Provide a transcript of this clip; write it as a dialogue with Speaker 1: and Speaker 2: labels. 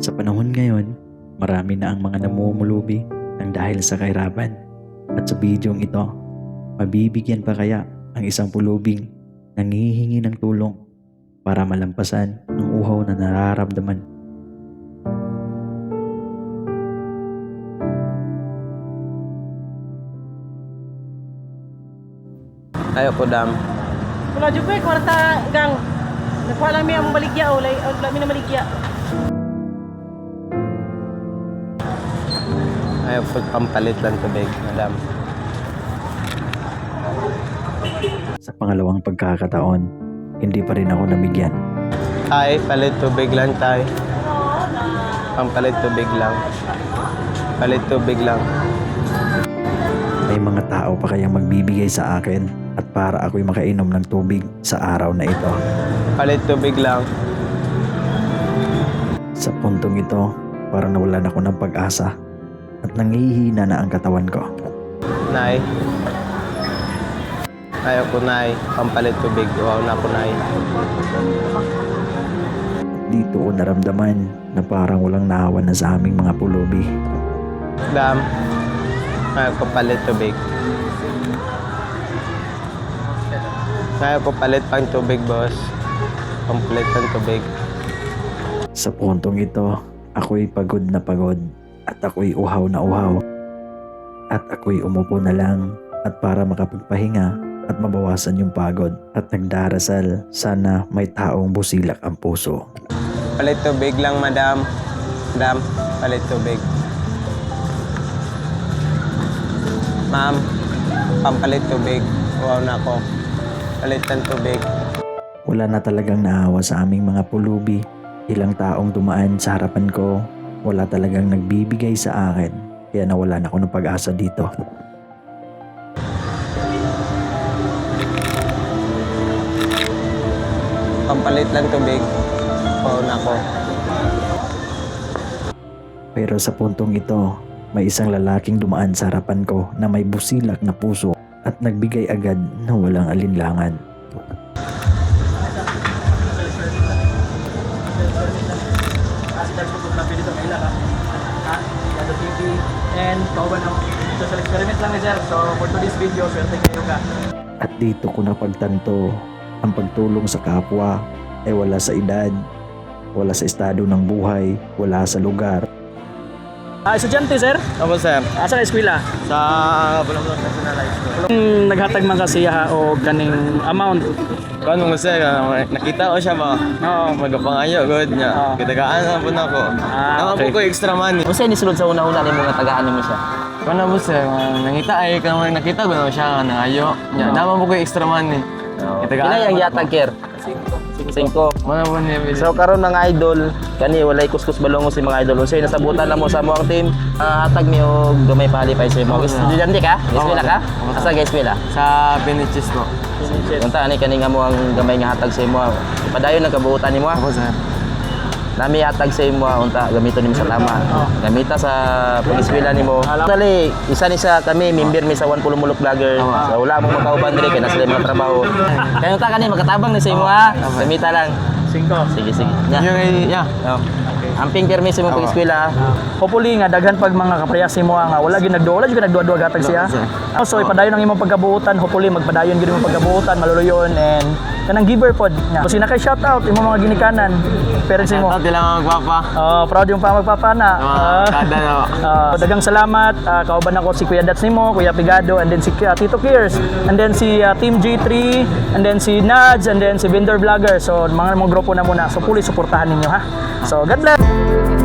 Speaker 1: Sa panahon ngayon, marami na ang mga namumulubi ng dahil sa kahirapan. At sa bidyong ito, mabibigyan pa kaya ang isang pulubing nanghihingi ng tulong para malampasan ang uhaw na nararamdaman.
Speaker 2: Ayo po dam.
Speaker 3: Wala dyan ko kwarta gang. Nakuha lang mi ang baligya o lami na maligya.
Speaker 2: Ayo po pampalit lang tubig, madam.
Speaker 1: Sa pangalawang pagkakataon, hindi pa rin ako nabigyan.
Speaker 2: Tay, palit tubig lang tay. Pampalit tubig lang. Palit tubig lang.
Speaker 1: May mga tao pa kayang magbibigay sa akin at para ako'y makainom ng tubig sa araw na ito.
Speaker 2: Palit tubig lang.
Speaker 1: Sa puntong ito, parang nawalan ako ng pag-asa at nangihina na ang katawan ko.
Speaker 2: Nay. Ayo po nay, pampalit tubig. Wow na po nay.
Speaker 1: Dito ko naramdaman na parang walang nahawa na sa aming mga pulubi.
Speaker 2: Dam. Ayo po palit tubig. Ayo po palit pang tubig, boss. Pampalit pang tubig.
Speaker 1: Sa puntong ito, ako'y pagod na pagod at ako'y uhaw na uhaw. At ako'y umupo na lang at para makapagpahinga at mabawasan yung pagod at nagdarasal sana may taong busilak ang puso.
Speaker 2: Palit tubig lang, madam. Madam, palit tubig. Ma'am, pampalit tubig. Wow na ako. Palit ng tubig.
Speaker 1: Wala na talagang naawa sa aming mga pulubi. Ilang taong dumaan sa harapan ko, wala talagang nagbibigay sa akin. Kaya nawalan ako ng pag-asa dito.
Speaker 2: Pampalit lang tubig. Wow na ako.
Speaker 1: Pero sa puntong ito, may isang lalaking dumaan sa harapan ko na may busilak na puso at nagbigay agad na walang alinlangan.
Speaker 3: And kauban ang social experiment lang ni sir. So for today's video, swerte kayo ka.
Speaker 1: At dito ko napagtanto ang pagtulong sa kapwa ay wala sa edad, wala sa estado ng buhay, wala sa lugar.
Speaker 3: Estudyante sir,
Speaker 2: Opo, sir.
Speaker 3: asa ka eskwela?
Speaker 2: Sa Bulong-Bulong National High School.
Speaker 3: Naghatag man kasi o ganing amount.
Speaker 2: Kano mo, sir? Nakita ko siya ba?
Speaker 3: Oo.
Speaker 2: Magapangayo, good niya.
Speaker 3: Oo.
Speaker 2: Kitagaan na po na ko. Naman
Speaker 3: okay.
Speaker 2: po ko extra money.
Speaker 4: Kung saan nisulod sa una-una ni mga tagaan mo siya?
Speaker 2: Kano mo, sir? Nangita ay, kano nakita ko na siya, nangayo. Naman po ko extra money.
Speaker 4: Kina yung yatag, Ker? 5.
Speaker 2: Mana po niya,
Speaker 4: So karon mga idol, kani walay kuskus balongo si mga idol. Unsay nasabutan na mo sa mo ang team, hatag mi og gamay palipay sa mo. Estudyante ka? Eskwela ka? Asa ka eskwela?
Speaker 2: sa Pinichis po.
Speaker 4: Unta ani kani nga mo ang gamay nga hatag sa imo. Padayon nagkabuutan nimo.
Speaker 2: Opo, sir.
Speaker 4: Nami hatag sa imo unta gamiton nimo sa tama. Gamita sa pag-eskwela nimo. Dali, isa ni sa kami member mi sa 1 Mulok Vlogger. So wala mo makauban diri kay nasa mga trabaho. Kaya unta kani magkatabang ni sa imo ha. Gamita lang.
Speaker 3: 5.
Speaker 4: Sige sige. Ya.
Speaker 2: Yung, yeah.
Speaker 4: Amping permis mo pag-eskwela.
Speaker 3: Hopefully nga daghan pag mga kaprayas mo nga wala gyud nagduwa gatag siya. So ipadayon ang imong pagkabuutan, hopefully magpadayon gyud imong pagkabuutan, maluluyon and kanang giver pod. So sina kay shout out imong mga ginikanan, parents mo.
Speaker 2: Ito lang magpapa.
Speaker 3: Proud yung pa magpapana.
Speaker 2: Kada na.
Speaker 3: Dagang salamat. Kauban ako si Kuya Dats nimo, Kuya Pigado, and then si Tito Kiers, and then si Team G3, and then si Nads, and then si Vendor Vlogger. So mga grupo na muna. So fully suportahan ninyo ha. So God bless.